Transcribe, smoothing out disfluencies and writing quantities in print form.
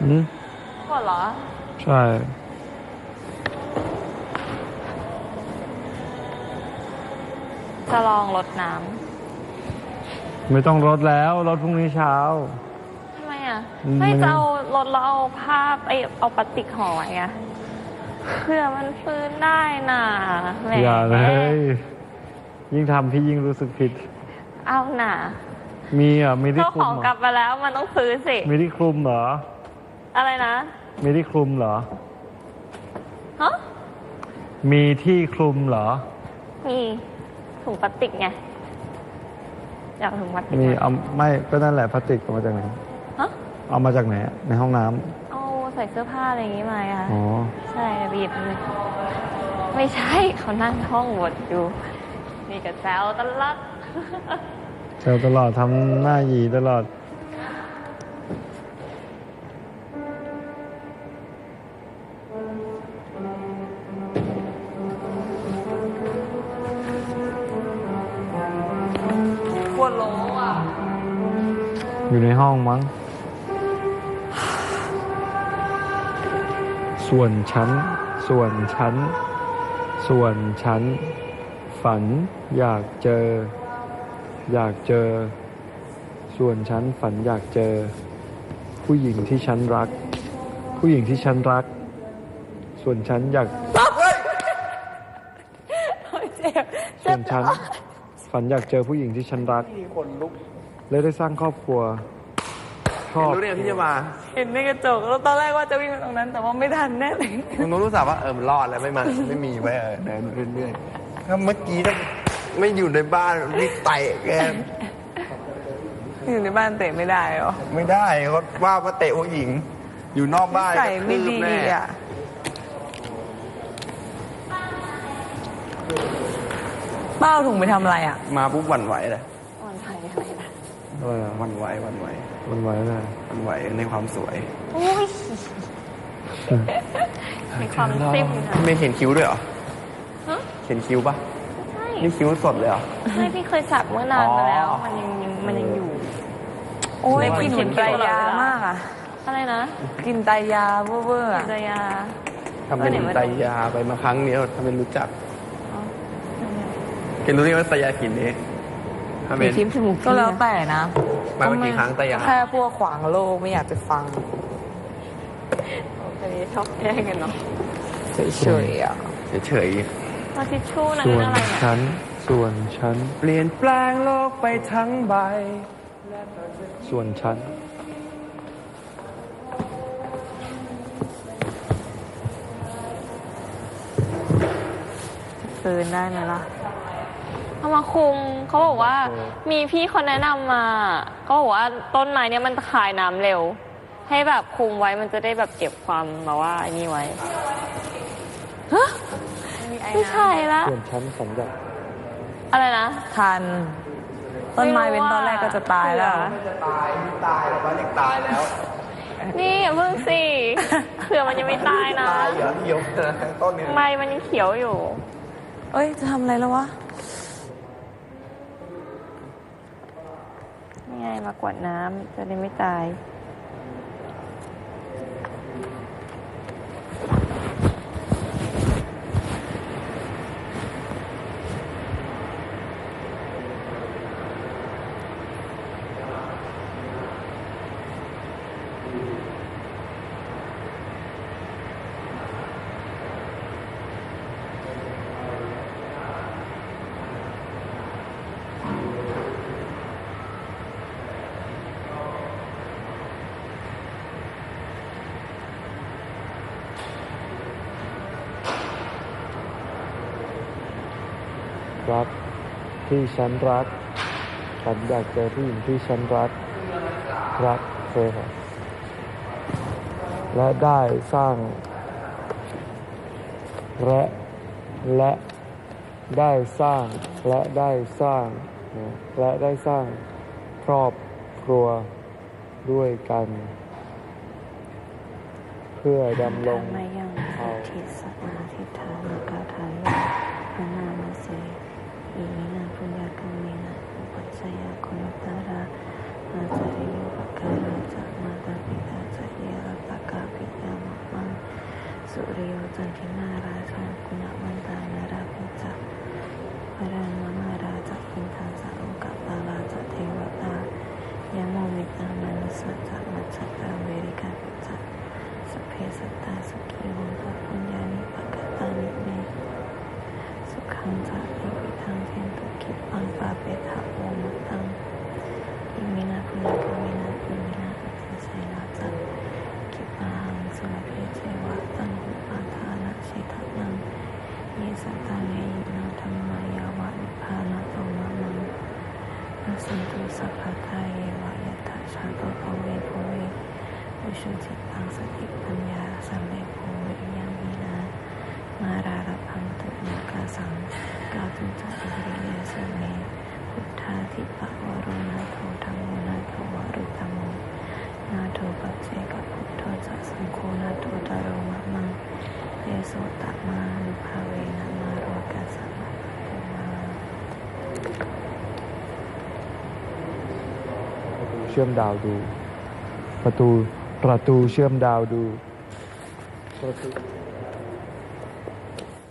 อืมหมดเหรอใช่จะลองรดน้ไม่ต้องรดแล้วรดพรุ่งนี้เช้าำทำไมอ่ะไม่จะเอารดแล้วเอาผ้าเอาพลาสติกห่อไว้อะเพื่อมันฟื้นได้น่ะแหมอย่าเลยยิ่งทำพี่ยิ่งรู้สึกผิดเอาน่ะมีมีที่เจ้าคลุของมเหรกลัอบมาแล้วมันต้องฟื้นสิมีที่คลุมเหรออะไรนะมีที่คลุมเหรอฮะมีที่คลุมเหรอมีถุงพลาสติกไงอยากถุงพลาสติกมีเอาไม่ก็นั่นแหละพลาสติกเอามาจากไหนฮะเอามาจากไหนในห้องน้ำเอาใส่เสื้อผ้าอะไรอย่างงี้มาค่ะำอ๋อใช่บีบเลยไม่ใช่เขานั่งท่องบทอยู่นี่กับแซวตลอดเจอตลอดทำหน้าหยีตลอดปวดโลอ่ะอยู่ในห้องมั้งส่วนชั้นฝันอยากเจอส่วนฉันฝันอยากเจอผู้หญิงที่ฉันรักส่วนฉันอยากส่วนฉันฝันอยากเจอผู้หญิงที่ฉันรักและได้สร้างครอบครัวชอบรู้เนี่ยที่จะมาเห็นในกระจกแล้วตอนแรกว่าจะวิ่งไปตรงนั้นแต่ว่าไม่ทันแน่เลยมึงต้องรู้สึกว่ามันรอดแล้วไม่มาไม่มีไว้เดินเรื่อยๆถ้าเมื่อกี้ถ้าไม่อยู่ในบ้านนี่เตะแกอยู่ในบ้านเตะไม่ได้หรอไม่ได้เขาว่าเตะผู้หญิงอยู่นอกบ้านใส่ไม่ดีอ่ะบ้าถุงไปทำอะไรอ่ะมาปุ๊บหวั่นไหวเลยหวั่นไหวอะไรล่ะหวั่นไหวอะไรหวั่นไหวในความสวยโอ้ยมีความซิ่มนะไม่เห็นคิ้วด้วยเหรอเห็นคิ้วปะใช่นี่คิ้วสดเลยเหรอใช่พี่เคยสักเมื่อนานมาแล้วมันยังอยู่โอ้ยกินเหมือนไตรยามากอ่ะอะไรนะกินไตรยาเวอร์ๆไตรยาทำเป็นไตรยาไปมาครั้งนี้ทำเป็นรู้จักเห็นรู้นี่ว่าไตรยากินนี้มีทิมจมูกก็แล้วแต่นะมาเมื่อกี่ครั้งไตรยาแค่พวกขวางโลกไม่อยากจะฟังโอเคชอบแย่งกันเนาะเฉยๆอ่ะเฉยมาทิชชู่นั่นส่วนอะไรฉันเปลี่ยนแปลงโลกไปทั้งใบส่วนฉันฟื้นได้ไหมล่ะเอามาคุมเขาบอกว่ามีพี่คนแนะนำมาเขาบอกว่าต้นไม้เนี่ยมันคายน้ำเร็วให้แบบคุมไว้มันจะได้แบบเก็บความแบบว่าอันนี้ไว้ฮะไม่ใช่ละส่วนฉันฝันอยากอะไรนะทันต้นไม้เป็นตอนแรกก็จะตายแล้วจะตายแล้วบ้านยังตายแล้วนี่อย่าเพิ่งสิเผื่อมันยังไม่ตายนะตายเหรอเหี่ยวต้นนี้ใบมันยังเขียวอยู่เอ้ยจะทำอะไรแล้ววะนี่ไงมากวาดน้ำจะได้ไม่ตายรักที่ฉันรักฉันอยากเจอผู้หญิงที่ฉันรักเคยครับและได้สร้างและได้สร้างครอบครัวด้วยกันเพื่อดำรงเอาทิศนาทิฐานกาไทยพระนามาเสอีนาปุญญากรรมินาอุปัชฌยาโคยตาราอาจาริโยปการาจะมาตาปิตาจะเยรตะปุริโยจันทิมาราชากุณวันตานาราภิจักพรันมาราจักพินทาสาโอกาปาลาจักเทวตายะโมวิตามานุสัจจมัจจตาเวริกาภิจักสพเพสัตตาสุขีโหตุปุญญานิปกตานิเมสุขังจักอิวิทังเทนตุกิปังปาเปทะโอมตังอิมินาพุญญกามินาปุญญาอิติเสนาจักกิปาหังสุรเพเจวะตังหุปาทานะชิตานังเยสัตตาเนยิโนธรรมายาวะนิพพานะโตมะมังนัสสันตุสัพพะทาเยวะยัตถะชาโตภเวภเววิชุจิตังสติปัญญาสัมเมโภวิริยังมีนามาราระพันตุโมกาสังกาตุจักอิริเยสเมพุทธาธิปะวโรนาโทธัมโมนาโทวรุตโมนาโทปัจเจกพุทโธจักสังโฆนาโทตโรมะมังเยโสตมานุภาเวนะมาโรกัสสะมะโตมาเชื่อมดาวดู ประตูเชื่อมดาวดูประตู